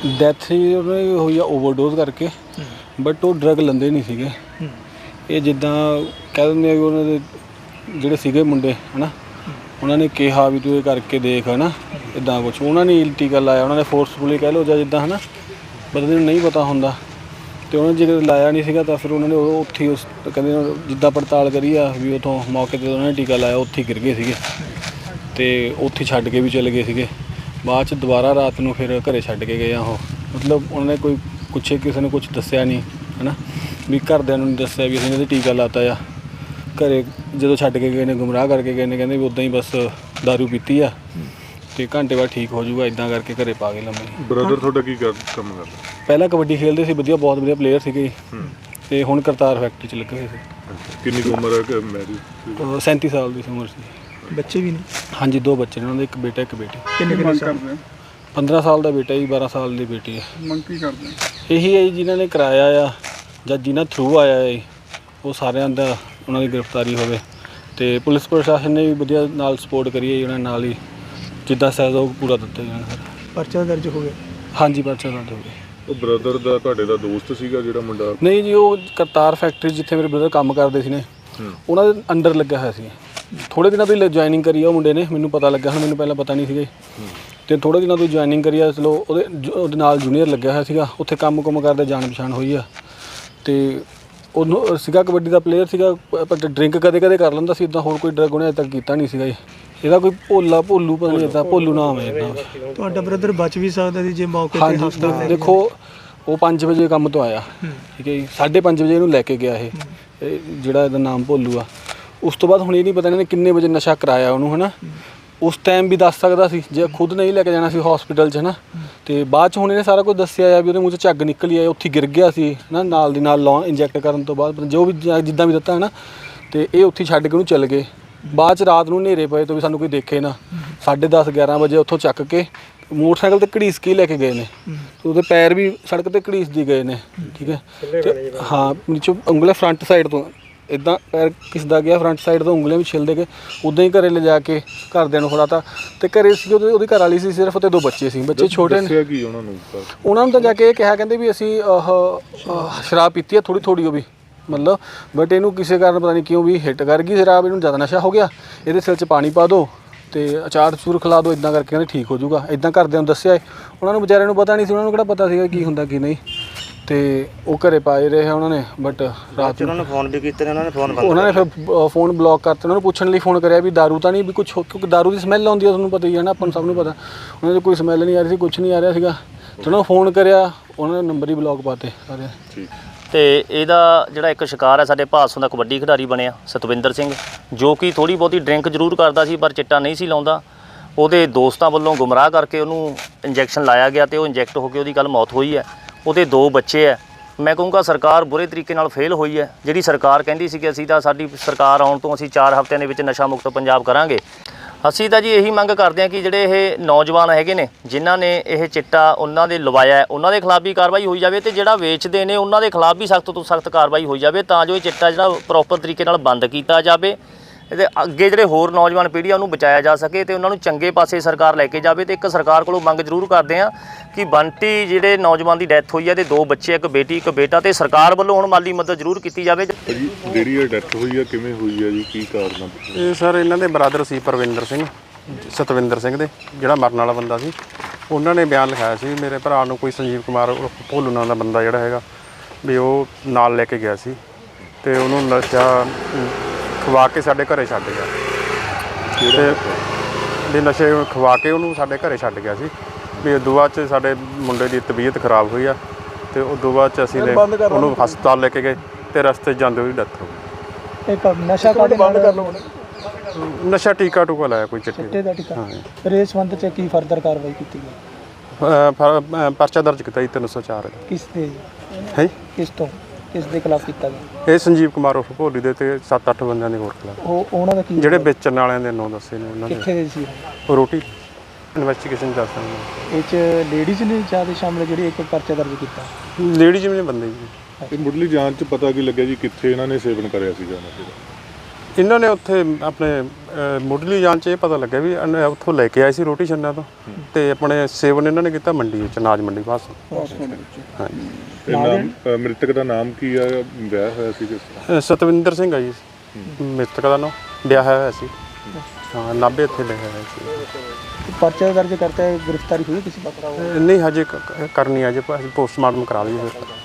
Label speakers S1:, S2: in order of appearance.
S1: Death ਹੀ ਉਹਨਾਂ ਦੀ ਹੋਈ ਆ ਓਵਰਡੋਜ਼ ਕਰਕੇ, ਬਟ ਉਹ ਡਰੱਗ ਲੈਂਦੇ ਨਹੀਂ ਸੀਗੇ। ਇਹ ਜਿੱਦਾਂ ਕਹਿ ਦਿੰਦੇ ਆ ਵੀ ਉਹਨਾਂ ਦੇ ਜਿਹੜੇ ਸੀਗੇ ਮੁੰਡੇ ਹੈ ਨਾ, ਉਹਨਾਂ ਨੇ ਕਿਹਾ ਵੀ ਤੂੰ ਇਹ ਕਰਕੇ ਦੇਖ ਹੈ ਨਾ, ਇੱਦਾਂ ਕੁਛ ਉਹਨਾਂ ਨੇ ਟੀਕਾ ਲਾਇਆ, ਉਹਨਾਂ ਨੇ ਫੋਰਸਫੁਲੀ ਕਹਿ ਲਓ ਜਾਂ ਜਿੱਦਾਂ ਹੈ ਨਾ, ਬੰਦੇ ਨੂੰ ਨਹੀਂ ਪਤਾ ਹੁੰਦਾ। ਅਤੇ ਉਹਨਾਂ ਨੇ ਜੇ ਲਾਇਆ ਨਹੀਂ ਸੀਗਾ ਤਾਂ ਫਿਰ ਉਹਨਾਂ ਨੇ ਉਹ ਉੱਥੇ ਉਸ ਕਹਿੰਦੇ ਜਿੱਦਾਂ ਪੜਤਾਲ ਕਰੀ ਆ ਵੀ ਉੱਥੋਂ ਮੌਕੇ 'ਤੇ ਉਹਨਾਂ ਨੇ ਟੀਕਾ ਲਾਇਆ, ਉੱਥੇ ਗਿਰ ਗਏ ਸੀਗੇ ਅਤੇ ਉੱਥੇ ਛੱਡ ਕੇ ਵੀ ਚਲੇ ਗਏ ਸੀਗੇ। ਬਾਅਦ 'ਚ ਦੁਬਾਰਾ ਰਾਤ ਨੂੰ ਫਿਰ ਘਰੇ ਛੱਡ ਕੇ ਗਏ ਆ ਉਹ, ਮਤਲਬ ਉਹਨਾਂ ਨੇ ਕੋਈ ਪੁੱਛੇ ਕਿਸੇ ਨੇ ਕੁਛ ਦੱਸਿਆ ਨਹੀਂ ਹੈ ਨਾ, ਵੀ ਘਰਦਿਆਂ ਨੂੰ ਨਹੀਂ ਦੱਸਿਆ ਵੀ ਅਸੀਂ ਇਹਨਾਂ 'ਤੇ ਟੀਕਾ ਲਾਤਾ ਆ। ਘਰੇ ਜਦੋਂ ਛੱਡ ਕੇ ਗਏ ਨੇ ਗੁੰਮਰਾਹ ਕਰਕੇ ਗਏ ਨੇ, ਕਹਿੰਦੇ ਵੀ ਉੱਦਾਂ ਹੀ ਬਸ ਦਾਰੂ ਪੀਤੀ ਆ ਅਤੇ ਘੰਟੇ ਬਾਅਦ ਠੀਕ ਹੋ ਜਾਊਗਾ, ਇੱਦਾਂ ਕਰਕੇ ਘਰੇ ਪਾ ਗਏ ਲੰਮੇ।
S2: ਬ੍ਰਦਰ ਤੁਹਾਡਾ ਕੀ ਕੰਮ ਕਰਦਾ?
S1: ਪਹਿਲਾਂ ਕਬੱਡੀ ਖੇਡਦੇ ਸੀ, ਵਧੀਆ ਬਹੁਤ ਵਧੀਆ ਪਲੇਅਰ ਸੀਗੇ ਅਤੇ ਹੁਣ ਕਰਤਾਰ ਫੈਕਟਰੀ 'ਚ ਲੱਗੇ ਹੋਏ ਸੀ।
S2: ਕਿੰਨੀ ਕੁ ਉਮਰ ਹੈ? ਮੈਰਿਜ?
S1: 37 ਸਾਲ ਦੀ ਉਮਰ ਸੀ।
S3: ਬੱਚੇ ਵੀ ਨੇ?
S1: ਹਾਂਜੀ 2 ਬੱਚੇ ਨੇ ਉਹਨਾਂ ਦੇ, ਇੱਕ ਬੇਟਾ ਇੱਕ ਬੇਟੀ।
S3: ਕਿੰਨੇ ਕਰਦੇ?
S1: 15 ਸਾਲ ਦਾ ਬੇਟਾ ਜੀ, 12 ਸਾਲ ਦੀ ਬੇਟੀ ਹੈ।
S3: ਮੰਗ ਕੀ ਕਰਦੇ?
S1: ਇਹੀ ਹੈ ਜੀ, ਜਿਨ੍ਹਾਂ ਨੇ ਕਰਾਇਆ ਆ ਜਾਂ ਜਿਨ੍ਹਾਂ ਥਰੂ ਆਇਆ ਹੈ ਉਹ ਸਾਰਿਆਂ ਦਾ ਉਹਨਾਂ ਦੀ ਗ੍ਰਿਫਤਾਰੀ ਹੋਵੇ, ਅਤੇ ਪੁਲਿਸ ਪ੍ਰਸ਼ਾਸਨ ਨੇ ਵੀ ਵਧੀਆ ਨਾਲ ਸਪੋਰਟ ਕਰੀ ਹੈ ਜੀ, ਉਹਨਾਂ ਨਾਲ ਹੀ ਜਿੱਦਾਂ ਸਹਿਯੋਗ ਪੂਰਾ ਦਿੱਤਾ ਜੀ ਉਹਨਾਂ ਨੇ।
S3: ਪਰਚਾ ਦਰਜ ਹੋ ਗਿਆ?
S1: ਹਾਂਜੀ ਪਰਚਾ ਦਰਜ ਹੋ ਗਿਆ।
S2: ਉਹ ਬ੍ਰਦਰ ਦਾ ਤੁਹਾਡੇ ਦਾ ਦੋਸਤ ਸੀਗਾ ਜਿਹੜਾ ਮੁੰਡਾ?
S1: ਨਹੀਂ ਜੀ, ਉਹ ਕਰਤਾਰ ਫੈਕਟਰੀ ਜਿੱਥੇ ਮੇਰੇ ਬ੍ਰਦਰ ਕੰਮ ਕਰਦੇ ਸੀ ਨੇ, ਉਹਨਾਂ ਦੇ ਅੰਡਰ ਲੱਗਿਆ ਹੋਇਆ ਸੀ। ਥੋੜ੍ਹੇ ਦਿਨਾਂ ਤੋਂ ਹੀ ਜੁਆਇਨਿੰਗ ਕਰੀ ਆ ਉਹ ਮੁੰਡੇ ਨੇ, ਮੈਨੂੰ ਪਤਾ ਲੱਗਾ, ਹੁਣ ਮੈਨੂੰ ਪਹਿਲਾਂ ਪਤਾ ਨਹੀਂ ਸੀਗਾ ਅਤੇ ਥੋੜ੍ਹੇ ਦਿਨਾਂ ਤੋਂ ਜੁਆਇਨਿੰਗ ਕਰੀ ਆ। ਚਲੋ ਉਹਦੇ ਨਾਲ ਜੂਨੀਅਰ ਲੱਗਿਆ ਹੋਇਆ ਸੀਗਾ, ਉੱਥੇ ਕੰਮ ਕੁੰਮ ਕਰਦੇ ਜਾਣ ਪਛਾਣ ਹੋਈ ਆ। ਅਤੇ ਉਹਨੂੰ ਸੀਗਾ ਕਬੱਡੀ ਦਾ ਪਲੇਅਰ ਸੀਗਾ, ਪਰ ਡਰਿੰਕ ਕਦੇ ਕਦੇ ਕਰ ਲੈਂਦਾ ਸੀ, ਇੱਦਾਂ ਹੋਰ ਕੋਈ ਡਰੱਗ ਉਹਨੇ ਅਜੇ ਤੱਕ ਕੀਤਾ ਨਹੀਂ ਸੀਗਾ ਜੀ। ਇਹਦਾ ਕੋਈ ਭੋਲੂ ਪਤਾ ਨਹੀਂ, ਇੱਦਾਂ ਭੋਲੂ ਨਾਮ ਹੈ ਇੱਦਾਂ।
S3: ਤੁਹਾਡਾ ਬ੍ਰਦਰ ਬਚ ਵੀ ਸਕਦਾ ਸੀ ਜੇ ਮੌਕੇ 'ਤੇ?
S1: ਹਾਂਜੀ ਦੇਖੋ, ਉਹ 5 ਵਜੇ ਕੰਮ ਤੋਂ ਆਇਆ, ਠੀਕ ਹੈ ਜੀ, 5:30 ਵਜੇ ਇਹਨੂੰ ਲੈ ਕੇ ਗਿਆ ਇਹ ਜਿਹੜਾ ਇਹਦਾ ਨਾਮ ਭੋਲੂ ਆ। ਉਸ ਤੋਂ ਬਾਅਦ ਹੁਣ ਇਹ ਨਹੀਂ ਪਤਾ ਇਹਨਾਂ ਨੇ ਕਿੰਨੇ ਵਜੇ ਨਸ਼ਾ ਕਰਾਇਆ ਉਹਨੂੰ ਹੈ ਨਾ, ਉਸ ਟਾਈਮ ਵੀ ਦੱਸ ਸਕਦਾ ਸੀ ਜੇ ਖੁਦ ਨਹੀਂ ਲੈ ਕੇ ਜਾਣਾ ਸੀ ਹੌਸਪੀਟਲ 'ਚ ਹੈ ਨਾ। ਅਤੇ ਬਾਅਦ 'ਚ ਹੁਣ ਇਹਨੇ ਸਾਰਾ ਕੁਝ ਦੱਸਿਆ ਆ ਵੀ ਉਹਦੇ ਮੂੰਹ 'ਚ ਝੱਗ ਨਿਕਲੀ ਆ, ਉੱਥੇ ਗਿਰ ਗਿਆ ਸੀ ਹੈ ਨਾ, ਨਾਲ ਦੀ ਨਾਲ ਇੰਜੈਕਟ ਕਰਨ ਤੋਂ ਬਾਅਦ ਜੋ ਵੀ ਜਿੱਦਾਂ ਵੀ ਦਿੱਤਾ ਹੈ ਨਾ, ਅਤੇ ਇਹ ਉੱਥੇ ਛੱਡ ਕੇ ਉਹਨੂੰ ਚੱਲ ਗਏ। ਬਾਅਦ 'ਚ ਰਾਤ ਨੂੰ ਹਨੇਰੇ ਪਏ ਤੋਂ ਵੀ ਸਾਨੂੰ ਕੋਈ ਦੇਖੇ ਨਾ, 10:30 11 ਵਜੇ ਉੱਥੋਂ ਚੱਕ ਕੇ ਮੋਟਰਸਾਈਕਲ 'ਤੇ ਘੜੀਸ ਕੇ ਲੈ ਕੇ ਗਏ ਨੇ, ਉਹਦੇ ਪੈਰ ਵੀ ਸੜਕ 'ਤੇ ਘੜੀਸਦੀ ਗਏ ਨੇ, ਠੀਕ ਹੈ। ਅਤੇ ਹਾਂ ਨੀਚੋਂ ਉਂਗਲਾਂ ਫਰੰਟ ਸਾਈਡ ਤੋਂ ਇੱਦਾਂ ਪੈਰ ਘਿਸਦਾ ਗਿਆ, ਫਰੰਟ ਸਾਈਡ ਤੋਂ ਉਂਗਲੀਆਂ ਵੀ ਛਿੱਲਦੇ ਗਏ। ਉੱਦਾਂ ਹੀ ਘਰੇ ਲਿਜਾ ਕੇ ਘਰਦਿਆਂ ਨੂੰ ਫੜਾਤਾ, ਅਤੇ ਘਰੇ ਸੀ ਉਹਦੀ ਘਰ ਵਾਲੀ ਸੀ ਸਿਰਫ, ਅਤੇ 2 ਬੱਚੇ ਸੀ, ਬੱਚੇ ਛੋਟੇ ਨੇ। ਉਹਨਾਂ ਨੂੰ ਤਾਂ ਜਾ ਕੇ ਇਹ ਕਿਹਾ, ਕਹਿੰਦੇ ਵੀ ਅਸੀਂ ਸ਼ਰਾਬ ਪੀਤੀ ਆ ਥੋੜ੍ਹੀ ਥੋੜ੍ਹੀ ਉਹ ਵੀ ਮਤਲਬ, ਬਟ ਇਹਨੂੰ ਕਿਸੇ ਕਾਰਨ ਪਤਾ ਨਹੀਂ ਕਿਉਂ ਵੀ ਹਿੱਟ ਕਰ ਗਈ ਸ਼ਰਾਬ, ਇਹਨੂੰ ਜ਼ਿਆਦਾ ਨਸ਼ਾ ਹੋ ਗਿਆ, ਇਹਦੇ ਸਿਰ 'ਚ ਪਾਣੀ ਪਾ ਦਿਓ ਅਤੇ ਅਚਾਰ ਚੂਰ ਖਿਲਾ ਦਿਓ, ਇੱਦਾਂ ਕਰਕੇ ਕਹਿੰਦੇ ਠੀਕ ਹੋ ਜਾਊਗਾ, ਇੱਦਾਂ ਘਰਦਿਆਂ ਨੂੰ ਦੱਸਿਆ। ਉਹਨਾਂ ਨੂੰ ਵਿਚਾਰਿਆਂ ਨੂੰ ਪਤਾ ਨਹੀਂ ਸੀ, ਉਹਨਾਂ ਨੂੰ ਕਿਹੜਾ ਪਤਾ ਸੀਗਾ ਕੀ ਹੁੰਦਾ ਕੀ ਨਹੀਂ, ਅਤੇ ਉਹ ਘਰੇ ਪਾਏ ਰਹੇ ਉਹਨਾਂ ਨੇ। ਬਟ ਰਾਤ ਨੂੰ ਉਹਨਾਂ ਨੇ ਫੋਨ ਵੀ ਕੀਤੇ, ਉਹਨਾਂ ਨੇ ਫਿਰ ਫੋਨ ਬਲੌਕ ਕਰਤੇ। ਉਹਨਾਂ ਨੂੰ ਪੁੱਛਣ ਲਈ ਫੋਨ ਕਰਿਆ ਵੀ ਦਾਰੂ ਤਾਂ ਨਹੀਂ ਵੀ ਕੁਛ, ਕਿਉਂਕਿ ਦਾਰੂ ਦੀ ਸਮੈਲ ਆਉਂਦੀ ਆ, ਤੁਹਾਨੂੰ ਪਤਾ ਹੀ ਹੈ ਨਾ, ਆਪਾਂ ਨੂੰ ਸਭ ਨੂੰ ਪਤਾ। ਉਹਨਾਂ ਦੀ ਕੋਈ ਸਮੈਲ ਨਹੀਂ ਆ ਰਹੀ ਸੀ, ਕੁਛ ਨਹੀਂ ਆ ਰਿਹਾ ਸੀਗਾ, ਅਤੇ ਉਹਨਾਂ ਨੂੰ ਫੋਨ ਕਰਿਆ, ਉਹਨਾਂ ਨੇ ਨੰਬਰ ਹੀ ਬਲੌਕ ਪਾਤੇ ਸਾਰੇ।
S4: ਅਤੇ ਇਹਦਾ ਜਿਹੜਾ ਇੱਕ ਸ਼ਿਕਾਰ ਹੈ ਸਾਡੇ ਭਾਦਸੋਂ ਦਾ ਕਬੱਡੀ ਖਿਡਾਰੀ ਬਣਿਆ ਸਤਵਿੰਦਰ ਸਿੰਘ, ਜੋ ਕਿ ਥੋੜ੍ਹੀ ਬਹੁਤੀ ਡਰਿੰਕ ਜ਼ਰੂਰ ਕਰਦਾ ਸੀ ਪਰ ਚਿੱਟਾ ਨਹੀਂ ਸੀ ਲਾਉਂਦਾ। ਉਹਦੇ ਦੋਸਤਾਂ ਵੱਲੋਂ ਗੁੰਮਰਾਹ ਕਰਕੇ ਉਹਨੂੰ ਇੰਜੈਕਸ਼ਨ ਲਾਇਆ ਗਿਆ ਅਤੇ ਉਹ ਇੰਜੈਕਟ ਹੋ ਕੇ ਉਹਦੀ ਕੱਲ੍ਹ ਮੌਤ ਹੋਈ ਹੈ। ਉਹਦੇ 2 ਬੱਚੇ ਹੈ। ਮੈਂ ਕਹੂੰਗਾ ਸਰਕਾਰ ਬੁਰੇ ਤਰੀਕੇ ਨਾਲ ਫੇਲ ਹੋਈ ਹੈ। ਜਿਹੜੀ ਸਰਕਾਰ ਕਹਿੰਦੀ ਸੀ ਕਿ ਅਸੀਂ ਤਾਂ ਸਾਡੀ ਸਰਕਾਰ ਆਉਣ ਤੋਂ ਅਸੀਂ 4 ਹਫ਼ਤਿਆਂ ਦੇ ਵਿੱਚ ਨਸ਼ਾ ਮੁਕਤ ਪੰਜਾਬ ਕਰਾਂਗੇ, ਅਸੀਂ ਤਾਂ ਜੀ ਇਹੀ ਮੰਗ ਕਰਦੇ ਹਾਂ ਕਿ ਜਿਹੜੇ ਇਹ ਨੌਜਵਾਨ ਹੈਗੇ ਨੇ ਜਿਨ੍ਹਾਂ ਨੇ ਇਹ ਚਿੱਟਾ ਉਹਨਾਂ ਦੇ ਲਵਾਇਆ, ਉਹਨਾਂ ਦੇ ਖਿਲਾਫ ਵੀ ਕਾਰਵਾਈ ਹੋਈ ਜਾਵੇ, ਅਤੇ ਜਿਹੜਾ ਵੇਚਦੇ ਨੇ ਉਹਨਾਂ ਦੇ ਖਿਲਾਫ ਵੀ ਸਖਤ ਤੋਂ ਸਖਤ ਕਾਰਵਾਈ ਹੋਈ ਜਾਵੇ, ਤਾਂ ਜੋ ਇਹ ਚਿੱਟਾ ਜਿਹੜਾ ਪ੍ਰੋਪਰ ਤਰੀਕੇ ਨਾਲ ਬੰਦ ਕੀਤਾ ਜਾਵੇ, ਇਹਦੇ ਅੱਗੇ ਜਿਹੜੇ ਹੋਰ ਨੌਜਵਾਨ ਪੀੜ੍ਹੀ ਆ ਉਹਨੂੰ ਬਚਾਇਆ ਜਾ ਸਕੇ ਅਤੇ ਉਹਨਾਂ ਨੂੰ ਚੰਗੇ ਪਾਸੇ ਸਰਕਾਰ ਲੈ ਕੇ ਜਾਵੇ। ਅਤੇ ਇੱਕ ਸਰਕਾਰ ਕੋਲੋਂ ਮੰਗ ਜ਼ਰੂਰ ਕਰਦੇ ਹਾਂ ਕਿ ਬੰਟੀ ਜਿਹੜੇ ਨੌਜਵਾਨ ਦੀ ਡੈਥ ਹੋਈ ਹੈ, ਅਤੇ 2 ਬੱਚੇ, ਇੱਕ ਬੇਟੀ ਇੱਕ ਬੇਟਾ, ਅਤੇ ਸਰਕਾਰ ਵੱਲੋਂ ਹੁਣ ਮਾਲੀ ਮਦਦ ਜ਼ਰੂਰ ਕੀਤੀ ਜਾਵੇ।
S2: ਜਿਹੜੀ ਇਹ ਡੈਥ ਹੋਈ ਹੈ ਕਿਵੇਂ ਹੋਈ ਹੈ ਜੀ, ਕੀ ਕਾਰਨ?
S5: ਇਹ ਸਰ ਇਹਨਾਂ ਦੇ ਬ੍ਰਦਰ ਸੀ ਪਰਵਿੰਦਰ ਸਿੰਘ, ਸਤਵਿੰਦਰ ਸਿੰਘ ਦੇ ਜਿਹੜਾ ਮਰਨ ਵਾਲਾ ਬੰਦਾ ਸੀ। ਉਹਨਾਂ ਨੇ ਬਿਆਨ ਲਿਖਾਇਆ ਸੀ ਮੇਰੇ ਭਰਾ ਨੂੰ ਕੋਈ ਸੰਜੀਵ ਕੁਮਾਰ ਭੋਲੂ ਨਾਂ ਦਾ ਬੰਦਾ ਜਿਹੜਾ ਹੈਗਾ ਵੀ ਉਹ ਨਾਲ ਲੈ ਕੇ ਗਿਆ ਸੀ, ਅਤੇ ਉਹਨੂੰ ਨਸ਼ਾ ਖਵਾ ਕੇ ਸਾਡੇ ਘਰੇ ਛੱਡ ਗਿਆ, ਅਤੇ ਵੀ ਨਸ਼ੇ ਖਵਾ ਕੇ ਉਹਨੂੰ ਸਾਡੇ ਘਰੇ ਛੱਡ ਗਿਆ ਸੀ। ਵੀ ਉਦੋਂ ਬਾਅਦ 'ਚ ਸਾਡੇ ਮੁੰਡੇ ਦੀ ਤਬੀਅਤ ਖਰਾਬ ਹੋਈ ਆ, ਅਤੇ ਉਦੋਂ ਬਾਅਦ 'ਚ ਅਸੀਂ ਉਹਨੂੰ ਹਸਪਤਾਲ ਲੈ ਕੇ ਗਏ, ਅਤੇ ਰਸਤੇ 'ਚ ਜਾਂਦੇ ਉਹਦੀ ਡੈਥ ਹੋ ਗਈ।
S3: ਇੱਕ ਨਸ਼ਾ ਕਾਹਦੇ ਬੰਦ ਕਰ ਲਓ?
S5: ਨਸ਼ਾ ਟੀਕਾ ਟੂਕਾ ਲਾਇਆ ਕੋਈ ਚਿੱਟੇ
S3: ਦਾ ਟੀਕਾ। ਫਿਰ ਇਸ ਸੰਬੰਧ 'ਚ ਕੀ ਫਰਦਰ ਕਾਰਵਾਈ ਕੀਤੀ ਗਈ?
S5: ਪਰਚਾ ਦਰਜ ਕੀਤਾ ਜੀ 304।
S3: ਕਿਸ ਦੇ
S5: ਹੈ?
S3: ਕਿਸ ਦੇ ਖਿਲਾਫ ਕੀਤਾ ਗਿਆ?
S5: ਇਹ ਸੰਜੀਵ ਕੁਮਾਰ ਉਰਫ ਭੋਲੀ ਦੇ ਅਤੇ 7-8 ਬੰਦਿਆਂ ਦੇ ਹੋਰ ਖਿਲਾਫ।
S3: ਉਹਨਾਂ ਦਾ ਕੀ
S5: ਜਿਹੜੇ ਵੇਚਣ ਵਾਲਿਆਂ ਦੇ ਨਾਂ ਦੱਸੇ ਨੇ ਉਹਨਾਂ ਦੇ।
S3: ਕਿੱਥੇ ਦੇ ਸੀ
S5: ਉਹ ਰੋਟੀ ਇਨਵੈਸਟੀਗੇਸ਼ਨ ਚੱਲ ਸਕਦੀ।
S3: ਇਹ 'ਚ ਲੇਡੀਜ਼ ਨੇ ਜ਼ਿਆਦਾ ਸ਼ਾਮਲ ਜਿਹੜੀ ਇੱਕ ਪਰਚਾ ਦਰਜ ਕੀਤਾ?
S5: ਲੇਡੀਜ਼ ਵੀ ਨੇ ਬੰਦੇ ਜੀ।
S2: ਮੁੱਢਲੀ ਜਾਂਚ 'ਚ ਪਤਾ ਕੀ ਲੱਗਿਆ ਜੀ ਕਿੱਥੇ ਇਹਨਾਂ ਨੇ ਸੇਵਨ ਕਰਿਆ ਸੀਗਾ ਨਸ਼ੇ ਦਾ?
S5: ਇਹਨਾਂ ਨੇ ਉੱਥੇ ਆਪਣੇ ਮੁੱਢਲੀ ਜਾਂਚ 'ਚ ਇਹ ਪਤਾ ਲੱਗਿਆ ਵੀ ਇਹਨੇ ਉੱਥੋਂ ਲੈ ਕੇ ਆਏ ਸੀ ਰੋਟੀ ਛੰਨਾ ਤੋਂ ਤੇ ਆਪਣੇ ਸੇਵਨ ਇਹਨਾਂ ਨੇ ਕੀਤਾ ਮੰਡੀ ਵਿੱਚ, ਅਨਾਜ ਮੰਡੀ ਪਾਸੋਂ। ਹਾਂਜੀ।
S2: ਇਹ ਨਾਮ ਮ੍ਰਿਤਕ ਦਾ ਨਾਮ ਕੀ ਆ, ਵਿਆਹ ਹੋਇਆ ਸੀ ਕਿਸ ਤਰ੍ਹਾਂ?
S5: ਸਤਵਿੰਦਰ ਸਿੰਘ ਆ ਜੀ ਮ੍ਰਿਤਕ ਦਾ ਨਾਮ, ਵਿਆਹਿਆ ਹੋਇਆ ਸੀ। ਹਾਂ, ਨਾਭੇ ਇੱਥੇ ਲਿਖਿਆ ਹੋਇਆ ਸੀ।
S3: ਪਰਚਾ ਦਰਜ ਕਰਤਾ, ਗ੍ਰਿਫਤਾਰੀ ਹੋਈ ਕਿਸੇ ਪਾਸੇ?
S5: ਨਹੀਂ, ਹਜੇ ਕਰਨੀ ਆ, ਜੇ ਪੋਸਟਮਾਰਟਮ ਕਰਾ ਲਈਏ ਫਿਰ।